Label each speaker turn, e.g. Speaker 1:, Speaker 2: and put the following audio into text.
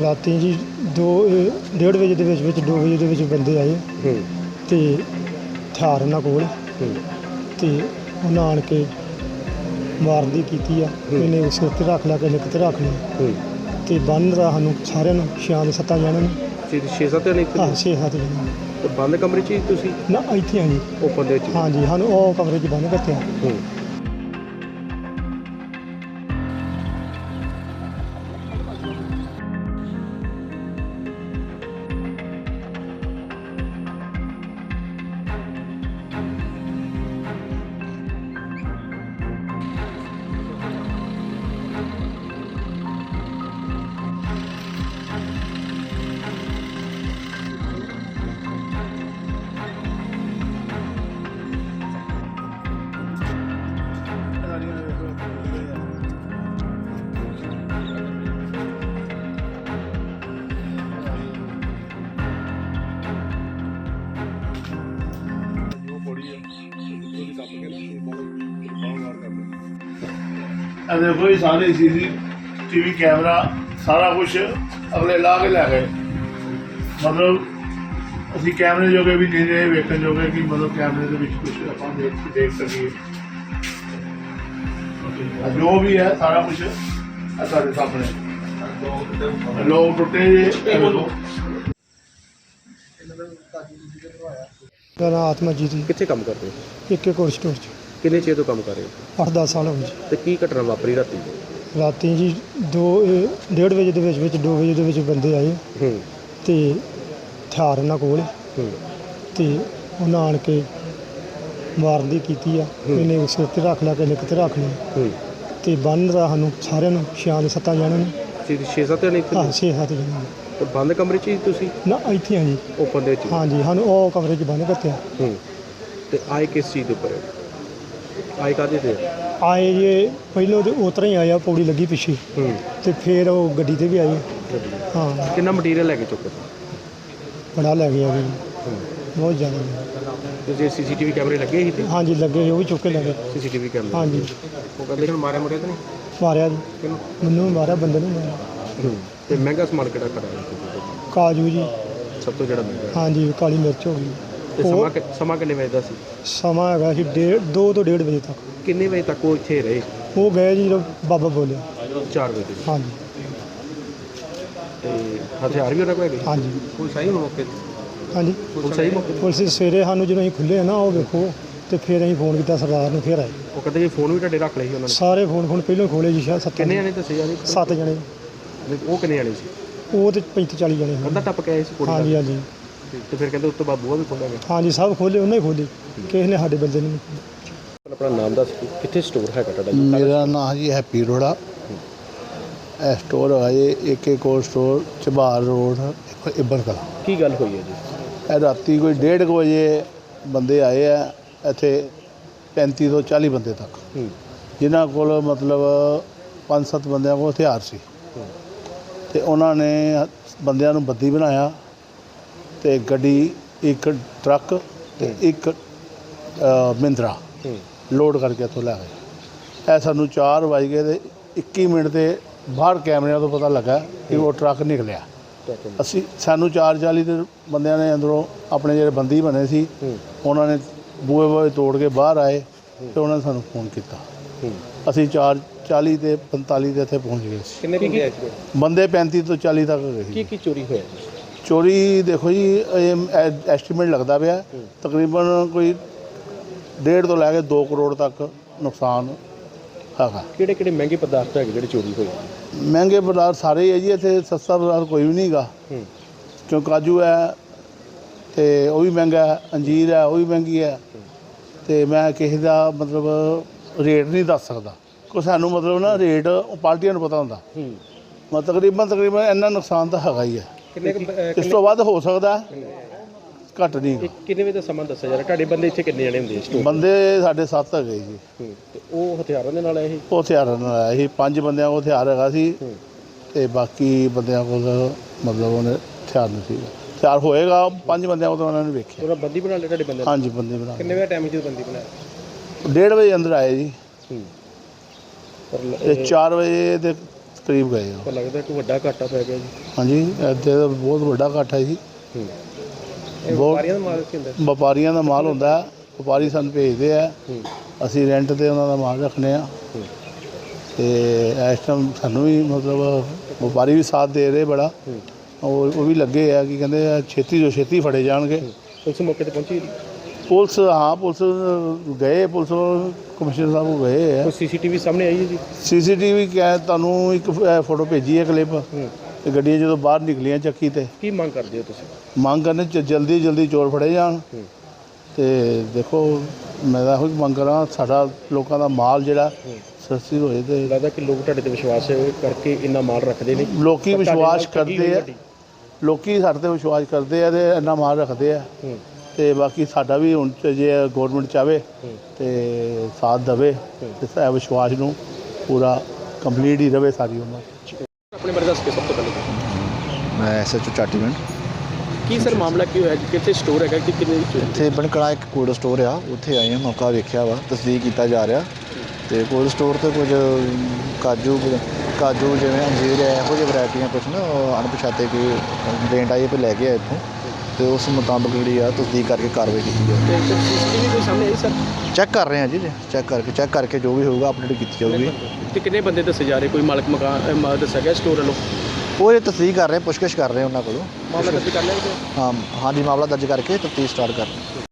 Speaker 1: ਰਾਤੀ जी 2:30 ਵਜੇ ਦੇ ਵਿੱਚ 2 ਵਜੇ ਦੇ ਵਿੱਚ ਬੰਦੇ ਆਏ ਤੇ ਹਥਿਆਰ ਉਹਨਾਂ ਕੋਲ ਤੇ ਉਹਨਾਂ ਆਣ ਕੇ ਮਾਰਨ ਦੀ ਕੀਤੀ ਆ। ਇਹਨੇ ਸਿਰ ਤੇ ਰੱਖ ਲਿਆ, ਕਿਸੇ ਕਿਤੇ ਰੱਖ ਲਿਆ ਤੇ ਬੰਨ ਦਾ ਸਾਨੂੰ ਸਾਰਿਆਂ ਨੂੰ 6-7 ਜਣਿਆਂ ਨੂੰ
Speaker 2: 6-7 ਜਣੇ ਇੱਥੇ?
Speaker 1: ਹਾਂ 6-7 ਜਣੇ।
Speaker 2: ਤੇ ਬੰਦ ਕਮਰੇ 'ਚ ਹੀ ਤੁਸੀਂ?
Speaker 1: ਨਾ ਇੱਥੇ ਆ ਜੀ,
Speaker 2: ਓਪਨ ਦੇ ਵਿੱਚ?
Speaker 1: ਹਾਂਜੀ, ਸਾਨੂੰ ਉਹ ਕਮਰੇ 'ਚ ਬੰਨ ਕੱਤਿਆ।
Speaker 3: देखो ये सारे CCTV कैमरा सारा कुछ अगले ला के लै गए। मतलब असी कैमरे जोगे भी नहीं रहे वेखण जोगे कि मतलब कैमरे के विच कुछ अपन देख सकीए। जो भी है सारा कुछ साढ़े सामने लोग टुटे
Speaker 1: ਮੇਰਾ ਨਾਮ ਆਤਮਾਜੀਤ ਜੀ।
Speaker 2: ਕਿੱਥੇ ਕੰਮ ਕਰਦੇ ਹੋ?
Speaker 1: ਇੱਕ ਕੋਲ ਸਟੋਰ 'ਚ
Speaker 2: ਕਿੰਨੇ ਚਿਰ ਤੋਂ ਕੰਮ ਕਰ ਰਹੇ ਹੋ?
Speaker 1: 8-10 ਸਾਲ ਹੋ ਗਏ ਜੀ।
Speaker 2: ਤੇ ਕੀ ਘਟਨਾ ਵਾਪਰੀ ਰਾਤੀ?
Speaker 1: ਰਾਤੀ ਜੀ 2:30 ਵਜੇ ਦੇ ਵਿੱਚ 2 ਵਜੇ ਦੇ ਵਿੱਚ ਬੰਦੇ ਆਏ ਤੇ ਹਥਿਆਰ ਉਹਨਾਂ ਕੋਲ ਤੇ ਉਹਨਾਂ ਆਣ ਕੇ ਮਾਰਨ ਦੀ ਕੀਤੀ ਆ। ਇਹਨੇ ਸਿਰ ਤੇ ਰੱਖ ਲਿਆ, ਕਿਸੇ ਕਿਤੇ ਰੱਖ ਲਿਆ ਤੇ ਬੰਨ ਦਾ ਸਾਨੂੰ ਸਾਰਿਆਂ ਨੂੰ 6-7 ਜਣਿਆਂ ਨੂੰ
Speaker 2: 6-7 ਜਣੇ ਇੱਥੇ?
Speaker 1: ਹਾਂ 6-7 ਜਣੇ।
Speaker 2: ਤੇ ਬੰਦ ਕਮਰੇ 'ਚ ਹੀ ਤੁਸੀਂ?
Speaker 1: ਨਾ ਇੱਥੇ ਆ ਜੀ,
Speaker 2: ਓਪਨ ਦੇ ਵਿੱਚ?
Speaker 1: ਹਾਂਜੀ, ਸਾਨੂੰ ਉਹ ਕਮਰੇ 'ਚ ਬੰਨ ਕੱਤਿਆ।
Speaker 2: ਤੇ ਆਏ ਕਿਸ ਚੀਜ਼ ਦੇ ਉੱਪਰ? ਆਏ ਕਾਹਦੇ ਤੇ?
Speaker 1: ਆਏ ਜੇ ਪਹਿਲਾਂ ਤੇ ਉਤਰਾ ਹੀ ਆਇਆ, ਪੌੜੀ ਲੱਗੀ ਪਿੱਛੇ ਤੇ ਫਿਰ ਉਹ ਗੱਡੀ ਤੇ ਵੀ ਆਏ। ਹਾਂ।
Speaker 2: ਕਿੰਨਾ ਮਟੀਰੀਅਲ ਲੈ ਕੇ ਚੁੱਕੇ?
Speaker 1: ਬੜਾ ਲੈ ਗਿਆ ਜੀ, ਬਹੁਤ ਜ਼ਿਆਦਾ।
Speaker 2: ਤੇ ਜੇ CCTV ਕੈਮਰੇ ਲੱਗੇ ਸੀ ਤੇ?
Speaker 1: ਹਾਂਜੀ ਲੱਗੇ, ਉਹ ਵੀ ਚੁੱਕ ਕੇ ਲੈ ਗਏ।
Speaker 2: CCTV ਕੈਮਰੇ?
Speaker 1: ਹਾਂਜੀ।
Speaker 2: ਉਹ ਕਹਿੰਦੇ ਕਿ ਮਾਰਿਆ ਮੁਰਿਆ ਤਾਂ ਨਹੀਂ?
Speaker 1: ਮਾਰਿਆ ਜੀ,
Speaker 2: ਕਿਹਨੂੰ?
Speaker 1: ਮੈਨੂੰ ਵੀ ਮਾਰਿਆ, ਬੰਦੇ ਨੂੰ ਮਾਰਿਆ।
Speaker 2: ਤੇ ਮਹਿੰਗਾ ਸਮਾਨ ਕਿਹੜਾ ਕਰਾਇਆ?
Speaker 1: ਕਾਜੂ ਜੀ।
Speaker 2: ਸਭ ਤੋਂ ਜਿਹੜਾ ਮਹਿੰਗਾ?
Speaker 1: ਹਾਂਜੀ, ਕਾਲੀ ਮਿਰਚ ਹੋ ਗਈ।
Speaker 2: ਤੇ ਸਮਾਂ ਕਿੰਨੇ ਵਜੇ ਦਾ ਸੀ?
Speaker 1: ਸਮਾਂ ਹੈਗਾ ਸੀ 2 ਤੋਂ 1:30 ਵਜੇ ਤੱਕ।
Speaker 2: ਕਿੰਨੇ ਵਜੇ ਤੱਕ ਉਹ ਇੱਥੇ ਰਹੇ?
Speaker 1: ਉਹ ਗਏ ਜੀ ਜਦੋਂ ਬਾਬਾ ਬੋਲਿਆ।
Speaker 2: 4 ਵਜੇ?
Speaker 1: ਹਾਂਜੀ।
Speaker 2: ਤੇ ਹਥਿਆਰ ਵੀ ਉਹਨਾਂ ਕੋਲ ਹੈਗੇ?
Speaker 1: ਹਾਂਜੀ।
Speaker 2: ਪੁਲਿਸ ਆਈ ਮੌਕੇ ਤੇ?
Speaker 1: ਹਾਂਜੀ,
Speaker 2: ਪੁਲਿਸ ਆਈ ਮੌਕੇ ਤੇ?
Speaker 1: ਪੁਲਿਸ ਸਵੇਰੇ ਸਾਨੂੰ ਜਦੋਂ ਅਸੀਂ ਖੁੱਲੇ ਨਾ ਉਹ ਵੇਖੋ ਤੇ ਫਿਰ ਅਸੀਂ ਫੋਨ ਕੀਤਾ ਸਰਦਾਰ ਨੂੰ, ਫਿਰ ਆਏ।
Speaker 2: ਉਹ ਕਹਿੰਦੇ ਜੀ ਫੋਨ ਵੀ ਤੁਹਾਡੇ ਰੱਖ ਲਏ ਸੀ ਉਹਨਾਂ ਨੇ?
Speaker 1: ਸਾਰੇ ਫੋਨ ਪਹਿਲਾਂ ਖੋਲੇ ਜੀ, ਸ਼ਾਇਦ 7
Speaker 2: ਕਿੰਨੇ ਜਣੇ ਦੱਸੇ ਯਾਰ?
Speaker 1: 7 ਜਣੇ।
Speaker 2: ਉਹ ਕਿੰਨੇ ਜਣੇ ਸੀ?
Speaker 1: ਉਹ ਤੇ 35-40 ਜਣੇ
Speaker 2: ਅੱਧਾ ਟੱਪ ਕੇ ਆਏ ਸੀ ਕੁੜੀ?
Speaker 1: ਹਾਂਜੀ ਹਾਂਜੀ।
Speaker 2: ਤੇ ਫਿਰ ਕਹਿੰਦੇ ਉਸ ਤੋਂ ਬਾਅਦ ਬੂਹਾ ਵੀ ਖੋਲ੍ਹਿਆ ਗਿਆ?
Speaker 1: ਹਾਂਜੀ, ਸਭ ਖੋਲੇ, ਉਹਨਾਂ ਹੀ ਖੋਲੇ, ਕਿਸੇ ਨੇ ਸਾਡੇ ਬੰਦੇ ਨੂੰ।
Speaker 2: ਆਪਣਾ ਨਾਮ ਦੱਸ, ਕਿੱਥੇ ਸਟੋਰ ਹੈਗਾ ਤੁਹਾਡਾ?
Speaker 4: ਮੇਰਾ ਨਾਮ ਜੀ ਹੈਪੀ ਰੋੜਾ। ਇਹ ਸਟੋਰ ਹੈ ਜੀ AK cold store, Jhabal road, Ibbar Kalan.
Speaker 2: ਕੀ ਗੱਲ ਹੋਈ ਹੈ ਜੀ?
Speaker 4: ਇਹ ਰਾਤੀ ਕੋਈ 1:30 ਵਜੇ ਬੰਦੇ ਆਏ ਆ ਇੱਥੇ, 35 ਤੋਂ 40 ਬੰਦੇ ਤੱਕ, ਜਿਨ੍ਹਾਂ ਕੋਲ ਮਤਲਬ 5-7 ਬੰਦਿਆਂ ਕੋਲ ਹਥਿਆਰ ਸੀ। ਤੇ ਉਹਨਾਂ ਨੇ ਬੰਦਿਆਂ ਨੂੰ ਬੱਦੀ ਬਣਾਇਆ ਤੇ ਗੱਡੀ, ਇੱਕ ਟਰੱਕ ਤੇ ਇੱਕ ਮਹਿੰਦਰਾ ਲੋਡ ਕਰਕੇ ਇੱਥੋਂ ਲੈ ਗਏ। ਇਹ ਸਾਨੂੰ 4 ਵੱਜ ਗਏ ਤੇ 21 ਮਿੰਟ ਤੇ ਬਾਹਰ ਕੈਮਰਿਆਂ ਤੋਂ ਪਤਾ ਲੱਗਾ ਕਿ ਉਹ ਟਰੱਕ ਨਿਕਲਿਆ। ਸਾਨੂੰ 4:40 ਦੇ ਬੰਦਿਆਂ ਨੇ ਅੰਦਰੋਂ ਆਪਣੇ ਜਿਹੜੇ ਬੰਦੀ ਬਣੇ ਸੀ ਉਹਨਾਂ ਨੇ ਬੂਹੇ ਤੋੜ ਕੇ ਬਾਹਰ ਆਏ ਤੇ ਉਹਨਾਂ ਨੇ ਸਾਨੂੰ ਫੋਨ ਕੀਤਾ। ਅਸੀਂ 4:40 ਤੇ 45 ਦੇ ਇੱਥੇ ਪਹੁੰਚ ਗਏ ਸੀ।
Speaker 2: ਕਿੰਨੇ ਬੰਦੇ ਆਏ ਸੀ?
Speaker 4: ਬੰਦੇ 35 ਤੋਂ 40 ਤੱਕ ਗਏ ਸੀ।
Speaker 2: ਕੀ ਚੋਰੀ ਹੋਇਆ?
Speaker 4: ਚੋਰੀ ਦੇਖੋ ਜੀ, ਐਸਟੀਮੇਟ ਲੱਗਦਾ ਪਿਆ ਤਕਰੀਬਨ ਕੋਈ 1.5 ਤੋਂ ਲੈ ਕੇ 2 ਕਰੋੜ ਤੱਕ ਨੁਕਸਾਨ ਹੈਗਾ।
Speaker 2: ਕਿਹੜੇ ਕਿਹੜੇ ਮਹਿੰਗੇ ਪਦਾਰਥ ਹੈਗੇ ਜਿਹੜੇ ਚੋਰੀ ਹੋਏ?
Speaker 4: ਮਹਿੰਗੇ ਪਦਾਰਥ ਸਾਰੇ ਹੀ ਹੈ ਜੀ, ਇੱਥੇ ਸਸਤਾ ਪਦਾਰਥ ਕੋਈ ਵੀ ਨਹੀਂ ਗਾ। ਕਿਉਂ ਕਾਜੂ ਹੈ ਤੇ ਉਹ ਵੀ ਮਹਿੰਗਾ ਹੈ, ਅੰਜੀਰ ਹੈ ਉਹ ਵੀ ਮਹਿੰਗੀ ਹੈ। ਤੇ ਮੈਂ ਕਿਸੇ ਦਾ ਮਤਲਬ ਰੇਟ ਨਹੀਂ ਦੱਸ ਸਕਦਾ, ਕੋਈ ਸਾਨੂੰ ਮਤਲਬ ਨਾ ਰੇਟ ਪਾਰਟੀਆਂ ਨੂੰ ਪਤਾ ਹੁੰਦਾ। ਤਕਰੀਬਨ ਇੰਨਾ ਨੁਕਸਾਨ ਤਾਂ ਹੈਗਾ ਹੀ ਹੈ। ਇਸ ਤੋਂ ਵੱਧ ਹੋ ਸਕਦਾ, ਘੱਟ ਨਹੀਂ।
Speaker 2: ਕਿੰਨੇ ਵਜੇ ਦਾ ਸਮਾਂ ਦੱਸਿਆ ਜਾ ਰਿਹਾ? ਤੁਹਾਡੇ ਬੰਦੇ ਇੱਥੇ ਕਿੰਨੇ ਜਣੇ ਹੁੰਦੇ?
Speaker 4: ਬੰਦੇ ਸਾਡੇ 7 ਹੈਗੇ ਜੀ।
Speaker 2: ਤੇ ਉਹ ਹਥਿਆਰਾਂ ਦੇ ਨਾਲ ਆਏ ਸੀ?
Speaker 4: ਉਹ ਹਥਿਆਰਾਂ ਨਾਲ ਆਇਆ ਸੀ। 5 ਬੰਦਿਆਂ ਕੋਲ ਹਥਿਆਰ ਹੈਗਾ ਸੀ ਤੇ ਬਾਕੀ ਬੰਦਿਆਂ ਕੋਲ ਮਤਲਬ ਉਹਨੇ ਹਥਿਆਰ ਨਹੀਂ ਸੀ। ਹਥਿਆਰ ਹੋਏਗਾ 5 ਬੰਦਿਆਂ ਕੋਲ, ਉਹਨਾਂ ਨੇ ਵੇਖਿਆ।
Speaker 2: ਉਹਨਾਂ ਬੰਦੀ ਬਣਾ ਲਿਆ ਤੁਹਾਡੇ ਬੰਦੇ?
Speaker 4: ਹਾਂਜੀ, ਬੰਦੀ ਬਣਾ।
Speaker 2: ਕਿੰਨੇ ਵਜੇ ਟਾਈਮ 'ਚ ਬੰਦੀ ਬਣਾਇਆ?
Speaker 4: 1:30 ਵਜੇ ਅੰਦਰ ਆਏ ਜੀ ਤੇ 4 ਵਜੇ ਦੇ ਕਰੀਬ ਗਏ ਆ।
Speaker 2: ਪਰ ਲੱਗਦਾ ਕਿ ਵੱਡਾ ਘਾਟਾ ਪੈ ਗਿਆ ਜੀ।
Speaker 4: ਹਾਂਜੀ ਇੱਥੇ ਤਾਂ ਬਹੁਤ ਵੱਡਾ ਇਕੱਠ ਹੈ ਜੀ।
Speaker 2: ਇਹ
Speaker 4: ਬਹੁਤ-
Speaker 2: ਵਪਾਰੀਆਂ ਦਾ ਮਾਲ ਕੀ ਹੁੰਦਾ?
Speaker 4: ਵਪਾਰੀਆਂ ਦਾ ਮਾਲ ਹੁੰਦਾ ਹੈ, ਵਪਾਰੀ ਸਾਨੂੰ ਭੇਜਦੇ ਆ, ਅਸੀਂ ਰੈਂਟ ਤੇ ਉਹਨਾਂ ਦਾ ਮਾਲ ਰੱਖਨੇ ਆ। ਤੇ ਇਸ ਟਾਈਮ ਸਾਨੂੰ ਵੀ ਮਤਲਬ ਵਪਾਰੀ ਵੀ ਸਾਥ ਦੇ ਰਹੇ ਬੜਾ, ਉਹ ਵੀ ਲੱਗੇ ਆ ਕਿ ਕਹਿੰਦੇ ਆ ਛੇਤੀ ਤੋਂ ਛੇਤੀ ਫੜੇ ਜਾਣਗੇ।
Speaker 2: ਪੁਲਿਸ ਮੌਕੇ ਤੇ ਪਹੁੰਚੀ?
Speaker 4: ਪੁਲਿਸ ਹਾਂ ਪੁਲਿਸ ਗਏ, ਪੁਲਿਸ ਕਮਿਸ਼ਨਰ ਸਾਹਿਬ ਕੋਲ ਗਏ ਆ।
Speaker 2: ਕੋਈ ਸੀਸੀਟੀਵੀ ਸਾਹਮਣੇ ਆਈ ਹੈ ਜੀ?
Speaker 4: ਸੀਸੀਟੀਵੀ ਕਿਹਾ ਤੁਹਾਨੂੰ ਇੱਕ ਫੋਟੋ ਭੇਜੀ ਹੈ ਕਲਿੱਪ, ਤੇ ਗੱਡੀਆਂ ਜਦੋਂ ਬਾਹਰ ਨਿਕਲੀਆਂ ਚੱਕੀ ਤੇ।
Speaker 2: ਕੀ ਮੰਗ ਕਰਦੇ ਹੋ ਤੁਸੀਂ?
Speaker 4: ਮੰਗ ਕਰਨੇ ਜਲਦੀ ਜਲਦੀ ਚੋਰ ਫੜੇ ਜਾਣ। ਤੇ ਦੇਖੋ ਮੈਂ ਤਾਂ ਇਹੋ ਹੀ ਮੰਗ ਕਰਾਂ ਸਾਡਾ ਲੋਕਾਂ ਦਾ ਮਾਲ ਜਿਹੜਾ ਸਸਤੀ ਹੋਏ। ਤੇ
Speaker 2: ਲੱਗਦਾ ਕਿ ਲੋਕ ਤੁਹਾਡੇ ਤੇ ਵਿਸ਼ਵਾਸ ਕਰਕੇ ਇੰਨਾ ਮਾਲ ਰੱਖਦੇ ਨੇ।
Speaker 4: ਲੋਕੀ
Speaker 2: ਪਰ ਤੁਹਾਡੇ
Speaker 4: ਵਿਸ਼ਵਾਸ
Speaker 2: ਨਾਲ ਠੱਗੀ ਹੋਈ
Speaker 4: ਕਰਦੇ ਆ,
Speaker 2: ਤੁਹਾਡੀ।
Speaker 4: ਲੋਕੀ ਸਾਡੇ ਤੇ ਵਿਸ਼ਵਾਸ ਕਰਦੇ ਆ ਤੇ ਇੰਨਾ ਮਾਲ ਰੱਖਦੇ ਆ। ਤੇ ਬਾਕੀ ਸਾਡਾ ਵੀ ਹੁਣ ਜੇ ਗੌਰਮੈਂਟ ਚਾਹਵੇ ਤੇ ਸਾਥ ਦੇਵੇ ਤੇ ਇਹ ਵਿਸ਼ਵਾਸ ਨੂੰ ਪੂਰਾ ਕੰਪਲੀਟ ਹੀ ਰਵੇ ਸਾਰੀ ਉਮਰ।
Speaker 2: ਆਪਣੇ ਬਾਰੇ ਦੱਸ ਕੇ ਸਭ ਤੋਂ ਪਹਿਲੇ
Speaker 5: ਮੈਂ ਐਸਐਚਓ ਚਾਟੀਵਿੰਡ।
Speaker 2: ਕੀ ਸਰ ਮਾਮਲਾ ਕੀ ਹੋਇਆ ਜੀ? ਕਿੱਥੇ ਸਟੋਰ ਹੈਗਾ ਕਿ ਕਿੰਨੇ ਵਿੱਚ?
Speaker 5: ਇੱਥੇ ਬਣਕੜਾ ਇੱਕ ਕੋਲਡ ਸਟੋਰ ਆ, ਉੱਥੇ ਆਏ ਹਾਂ, ਮੌਕਾ ਵੇਖਿਆ ਵਾ, ਤਸਦੀਕ ਕੀਤਾ ਜਾ ਰਿਹਾ। ਤੇ ਕੋਲਡ ਸਟੋਰ ਤੇ ਕੁਝ ਕਾਜੂ ਜਿਵੇਂ ਅੰਜੀਰ ਹੈ, ਇਹੋ ਜਿਹੀ ਵੈਰਾਈਟੀਆਂ ਕੁਛ ਨਾ ਅਣਪਛਾਤੇ ਕੋਈ ਕੰਪਲੇਂਟ ਆਈ ਹੈ ਲੈ ਕੇ ਆਏ ਇੱਥੋਂ, ਤੇ ਉਸ ਮੁਤਾਬਕ ਜਿਹੜੀ ਆ ਤਸਦੀਕ ਕਰਕੇ ਕਾਰਵਾਈ ਕੀਤੀ ਜਾਵੇ।
Speaker 2: ਤੇ ਸੀਸੀਟੀਵੀ ਕੋਈ ਸਾਹਮਣੇ ਆਈ ਸਰ?
Speaker 5: ਚੈੱਕ ਕਰ ਰਹੇ ਹਾਂ ਜੀ, ਚੈੱਕ ਕਰਕੇ ਜੋ ਵੀ ਹੋਊਗਾ ਅਪਡੇਟ ਕੀਤੀ ਜਾਊਗੀ।
Speaker 2: ਤੇ ਕਿੰਨੇ ਬੰਦੇ ਦੱਸੇ ਜਾ ਰਹੇ? ਕੋਈ ਮਾਲਕ ਮਕਾਨ ਦੱਸਿਆ ਗਿਆ ਸਟੋਰ ਵੱਲੋਂ?
Speaker 5: ਉਹ ਇਹ ਤਸਦੀਕ ਕਰ ਰਹੇ, ਪੁੱਛਗਿੱਛ ਕਰ ਰਹੇ ਉਹਨਾਂ ਕੋਲੋਂ।
Speaker 2: ਮਾਮਲਾ ਦਰਜ ਕਰ ਲਿਆ ਜੀ?
Speaker 5: ਹਾਂਜੀ, ਮਾਮਲਾ ਦਰਜ ਕਰਕੇ ਤਫਤੀਸ਼ ਸਟਾਰਟ ਕਰ ਰਹੇ।